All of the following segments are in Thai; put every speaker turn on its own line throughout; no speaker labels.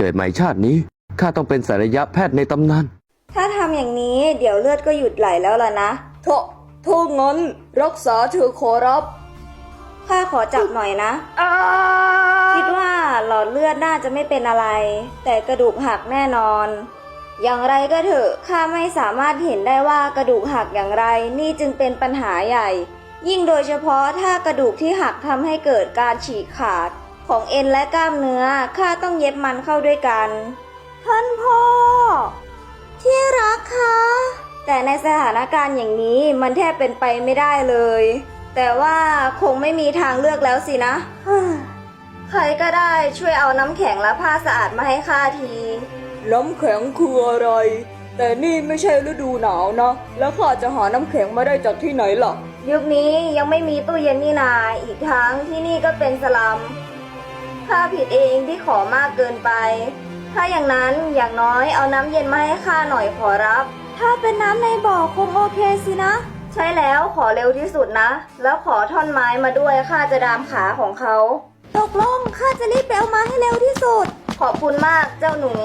กิดใหม่ชาตินี้ข้าต้องเป็นศัลยแพทย์ในตำนาน
ถ้าทำอย่างนี้เดี๋ยวเลือดก็หยุดไหลแล้วล่ะนะ
ถ้างั้นรักษาเธอขอรับ
ข้าขอจับหน่อยนะคิดว่าหลอดเลือดน่าจะไม่เป็นอะไรแต่กระดูกหักแน่นอนอย่างไรก็เถอะข้าไม่สามารถเห็นได้ว่ากระดูกหักอย่างไรนี่จึงเป็นปัญหาใหญ่ยิ่งโดยเฉพาะถ้ากระดูกที่หักทำให้เกิดการฉีกขาดของเอ็นและกล้ามเนื้อข้าต้องเย็บมันเข้าด้วยกันท่านพ่อที่รักคะแต่ในสถานการณ์อย่างนี้มันแทบเป็นไปไม่ได้เลยแต่ว่าคงไม่มีทางเลือกแล้วสินะใครก็ได้ช่วยเอาน้ำแข็งและผ้าสะอาดมาให้ข้าที
น้ำแข็งคืออะไรแต่นี่ไม่ใช่ฤดูหนาวนะแล้วข้าจะหาน้ำแข็งมาได้จากที่ไหนล่ะ
ยุคนี้ยังไม่มีตู้เย็นนี่นาอีกทั้งที่นี่ก็เป็นสลัมข้าผิดเองที่ขอมากเกินไปถ้าอย่างนั้นอย่างน้อยเอาน้ำเย็นมาให้ข้าหน่อยขอรับถ้าเป็นน้ำในบ่อคงโอเคสินะใช่แล้วขอเร็วที่สุดนะแล้วขอท่อนไม้มาด้วยข้าจะดามขาของเขาตกลงข้าจะรีบไปเอามาให้เร็วที่สุดขอบคุณมากเจ้าหนู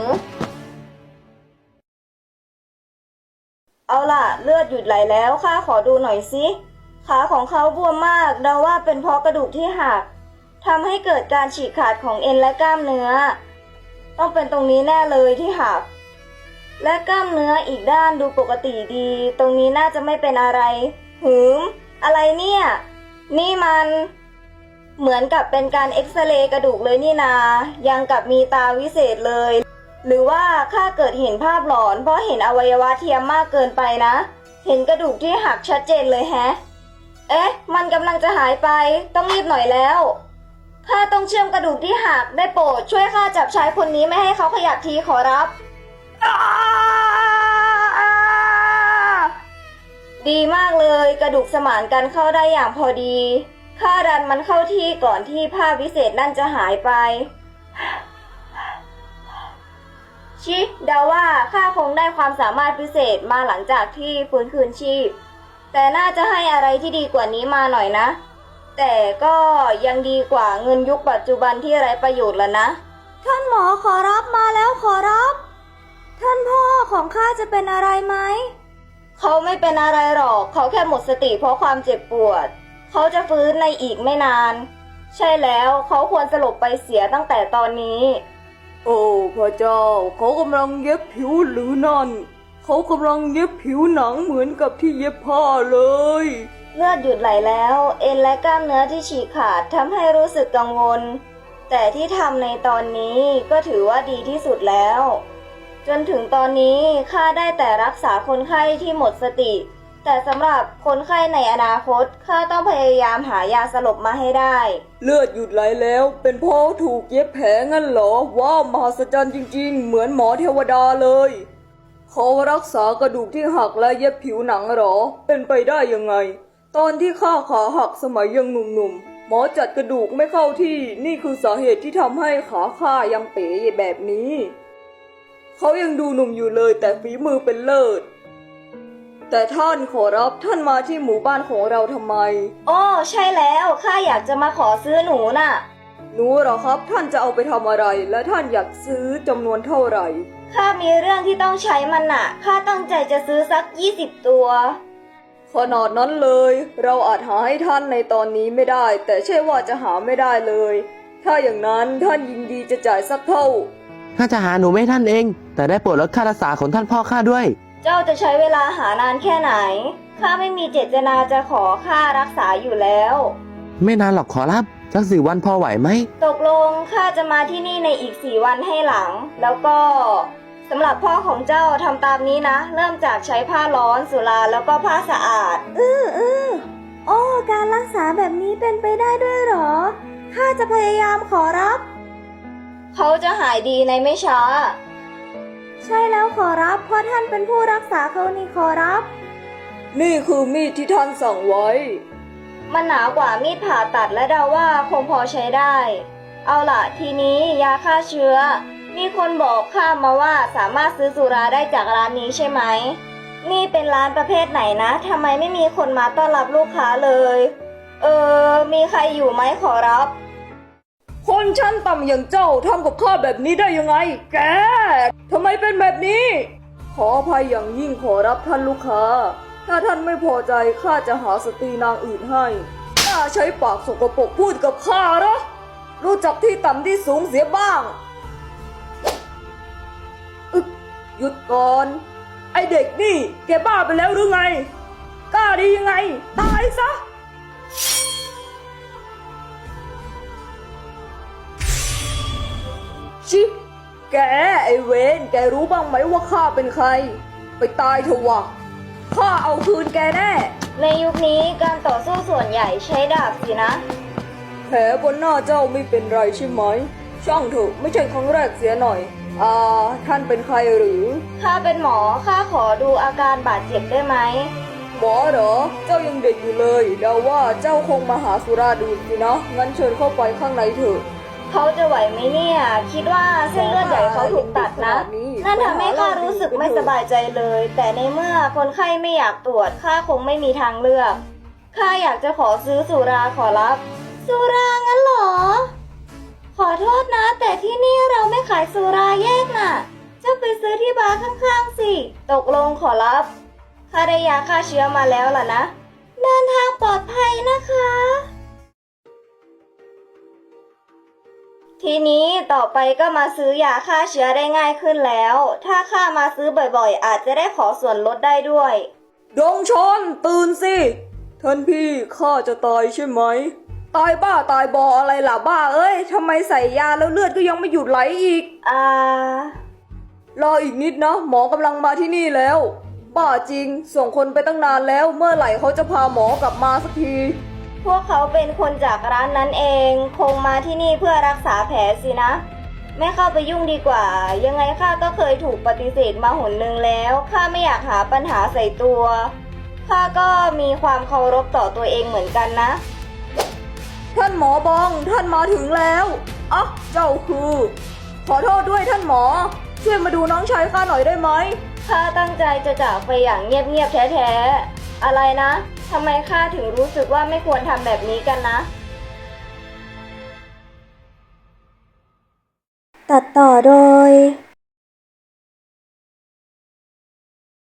เอาล่ะเลือดหยุดไหลแล้วข้าขอดูหน่อยสิขาของเขาบวมมากเดาว่าเป็นเพราะกระดูกที่หักทำให้เกิดการฉีกขาดของเอ็นและกล้ามเนื้อต้องเป็นตรงนี้แน่เลยที่หักและกล้ามเนื้ออีกด้านดูปกติดีตรงนี้น่าจะไม่เป็นอะไรอะไรเนี่ยนี่มันเหมือนกับเป็นการเอ็กซเรย์กระดูกเลยนี่นายังกับมีตาวิเศษเลยหรือว่าข้าเกิดเห็นภาพหลอนเพราะเห็นอวัยวะเทียมมากเกินไปนะเห็นกระดูกที่หักชัดเจนเลยแฮะมันกำลังจะหายไปต้องรีบหน่อยแล้วข้าต้องเชื่อมกระดูกที่หักได้โปรดช่วยข้าจับชายคนนี้ไม่ให้เขาขยับทีขอรับดีมากเลยกระดูกสมานกันเข้าได้อย่างพอดีข้าดันมันเข้าที่ก่อนที่ผ้าวิเศษนั่นจะหายไปชิเดาว่าข้าคงได้ความสามารถพิเศษมาหลังจากที่ฟื้นคืนชีพแต่น่าจะให้อะไรที่ดีกว่านี้มาหน่อยนะแต่ก็ยังดีกว่าเงินยุคปัจจุบันที่ไร้ประโยชน์แล้วนะท่านหมอขอรับมาแล้วขอรับท่านพ่อของข้าจะเป็นอะไรไหมเขาไม่เป็นอะไรหรอกเขาแค่หมดสติเพราะความเจ็บปวดเขาจะฟื้นในอีกไม่นานใช่แล้วเขาควรสลบไปเสียตั้งแต่ตอนนี้
โอ้พระเจ้าเขากำลังเย็บผิวหรือนั่นเขากำลังเย็บผิวหนังเหมือนกับที่เย็บผ้าเลย
เลือดหยุดไหลแล้วเอ็นและกล้ามเนื้อที่ฉีกขาดทำให้รู้สึกกังวลแต่ที่ทำในตอนนี้ก็ถือว่าดีที่สุดแล้วจนถึงตอนนี้ข้าได้แต่รักษาคนไข้ที่หมดสติแต่สำหรับคนไข้ในอนาคตข้าต้องพยายามหายาสลบมาให้ได้
เลือดหยุดไหลแล้วเป็นเพราะถูกเย็บแผลงั้นเหรอว้าวมหัศจรรย์จริงๆเหมือนหมอเทวดาเลยเขารักษากระดูกที่หักและเย็บผิวหนังเหรอเป็นไปได้ยังไงตอนที่ข้าขาหักสมัยยังหนุ่มๆหมอจัดกระดูกไม่เข้าที่นี่คือสาเหตุที่ทำให้ขาข้ายังเป๋แบบนี้เขายังดูหนุ่มอยู่เลยแต่ฝีมือเป็นเลิศแต่ท่านขอรับท่านมาที่หมู่บ้านของเราทำไม
อ้อใช่แล้วข้าอยากจะมาขอซื้อหนูน่ะ
หนูเหรอครับท่านจะเอาไปทำอะไรและท่านอยากซื้อจำนวนเท่าไหร่
ข้ามีเรื่องที่ต้องใช้มันน่ะข้าตั้งใจจะซื้อสัก20 ตัว
ขนาดนั้นเลยเราอาจหาให้ท่านในตอนนี้ไม่ได้แต่ใช่ว่าจะหาไม่ได้เลยถ้าอย่างนั้นท่านยินดีจะจ่ายสักเท่า
ข้าจะหาหนูไม่ท่านเองแต่ได้โปรดลดค่ารักษาของท่านพ่อข้าด้วย
เจ้าจะใช้เวลาหานานแค่ไหนข้าไม่มีเจตนาจะขอค่ารักษาอยู่แล้ว
ไม่นานหรอกขอรับสัก4 วันพอไหวไหม
ตกลงข้าจะมาที่นี่ในอีก4 วันให้หลังแล้วก็สำหรับพ่อของเจ้าทำตามนี้นะเริ่มจากใช้ผ้าร้อนสุราแล้วก็ผ้าสะอาดโอ้การรักษาแบบนี้เป็นไปได้ด้วยหรอข้าจะพยายามขอรับเขาจะหายดีในไม่ช้าใช่แล้วขอรับเพราะท่านเป็นผู้รักษาเขานี่ขอรับ
นี่คือมีดที่ท่านสั่งไว้
มันหนากว่ามีดผ่าตัดและเดาว่าคงพอใช้ได้เอาล่ะทีนี้ยาฆ่าเชื้อมีคนบอกข้ามาว่าสามารถซื้อสุราได้จากร้านนี้ใช่ไหมนี่เป็นร้านประเภทไหนนะทำไมไม่มีคนมาต้อนรับลูกค้าเลยมีใครอยู่ไหมขอรับ
คนชั้นต่ำอย่างเจ้าทำกับข้าแบบนี้ได้ยังไง แกทำไมเป็นแบบนี้ ขออภัยอย่างยิ่งขอรับท่านลูกค้า ถ้าท่านไม่พอใจข้าจะหาสตรีนางอื่นให้ข้าใช้ปากสกปรกพูดกับข้าเหรอรู้จักที่ต่ำที่สูงเสียบ้างหยุดก่อน ไอเด็กนี่แกบ้าไปแล้วหรือไง กล้าดียังไง ตายซะ ชิแกไอเวนแกรู้บ้างไหมว่าข้าเป็นใคร ไปตายเถอะวะข้าเอาคืนแกแน่
ในยุคนี้การต่อสู้ส่วนใหญ่ใช้ดาบสินะ
แผลบนหน้าเจ้าไม่เป็นไรใช่ไหม ช่างเถอะไม่ใช่ครั้งแรกเสียหน่อย ท่านเป็นใครหรือ
ข้าเป็นหมอ ข้าขอดูอาการบาดเจ็บได้ไหม
หมอเหรอ เจ้ายังเด็กอยู่เลยเดาว่าเจ้าคงมาหาสุราดูดสินะ งั้นเชิญเข้าไปข้างในเถอะ
เขาจะไหวไหมเนี่ย คิดว่าเส้นเลือดใหญ่เขาถูกตัดนะ นั่นทำให้ข้ารู้สึกไม่สบายใจเลย แต่ในเมื่อคนไข้ไม่อยากตรวจ ข้าคงไม่มีทางเลือก ข้าอยากจะขอซื้อสุราขอรับ สุรางั้นเหรอ ขอโทษนะ แต่ที่นี่เราไม่ขายสุราแยกน่ะ เจ้าไปซื้อที่บาร์ข้างๆสิ ตกลงขอรับ ข้าได้ยาฆ่าเชื้อมาแล้วล่ะนะ เดินทางปลอดภัยนะคะ ทีนี้ต่อไปก็มาซื้อยาฆ่าเชื้อได้ง่ายขึ้นแล้ว ถ้าข้ามาซื้อบ่อยๆ อาจจะได้ขอส่วนลดได้ด้วย
ดงชนตื่นสิ ท่านพี่ข้าจะตายใช่ไหม ตายบ้าตายบออะไรล่ะบ้าเอ้ยทำไมใส่ยาแล้วเลือดก็ยังไม่หยุดไหลอีก รออีกนิดนะหมอกำลังมาที่นี่แล้ว บ้าจริงส่งคนไปตั้งนานแล้วเมื่อไหร่เขาจะพาหมอกลับมาสักที
พวกเขาเป็นคนจากร้านนั้นเอง คงมาที่นี่เพื่อรักษาแผลสินะ ไม่เข้าไปยุ่งดีกว่า ยังไงข้าก็เคยถูกปฏิเสธมาหนหนึ่งแล้วข้าไม่อยากหาปัญหาใส่ตัวข้าก็มีความเคารพต่อตัวเองเหมือนกันนะ
ท่านหมอบองท่านมาถึงแล้วอ๊ะเจ้าคือ ขอโทษด้วยท่านหมอ ช่วยมาดูน้องชายข้าหน่อยได้ไหม
ข้าตั้งใจจะจากไปอย่างเงียบๆแท้ๆ อะไรนะทำไมข้าถึงรู้สึกว่าไม่ควรทำแบบนี้กันนะ ตัดต่อโดย